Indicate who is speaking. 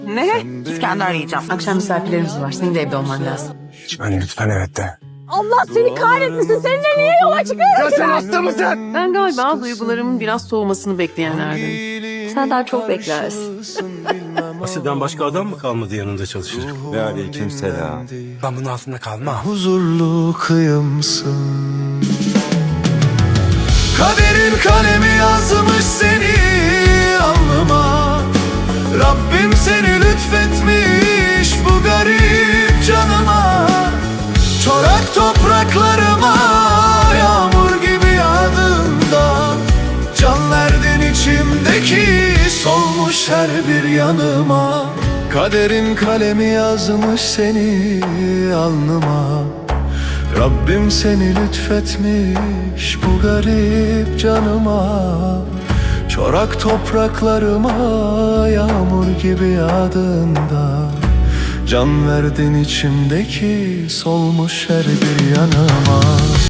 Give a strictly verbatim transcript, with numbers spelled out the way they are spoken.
Speaker 1: Ne? İskender yiyeceğim.
Speaker 2: Akşam misafirlerimiz var. Senin de evde olman lazım.
Speaker 3: Lütfen lütfen evet de.
Speaker 4: Allah seni kahretmesin. Seninle niye yola çıkıyorsun?
Speaker 3: Ya sen hasta mısın?
Speaker 2: Ben galiba duygularımın biraz soğumasını bekleyenlerden.
Speaker 4: Sen daha çok beklersin.
Speaker 5: Asiden başka adam mı kalmadı yanında çalışacak?
Speaker 3: Ve aleykümselam. Ben bunun altında kalmam.
Speaker 6: Huzurlu kıyımsın. Kaderin kalemi yazmış seni alnıma. Rabbim seni lütfetmiş bu garip canıma. Çorak topraklarıma yağmur gibi yağdığında can verdin içimdeki solmuş her bir yanıma. Kaderin kalemi yazmış seni alnıma. Rabbim seni lütfetmiş bu garip canıma. Çorak topraklarıma yağmur gibi yağdığında can verdin içimdeki solmuş her bir yanıma.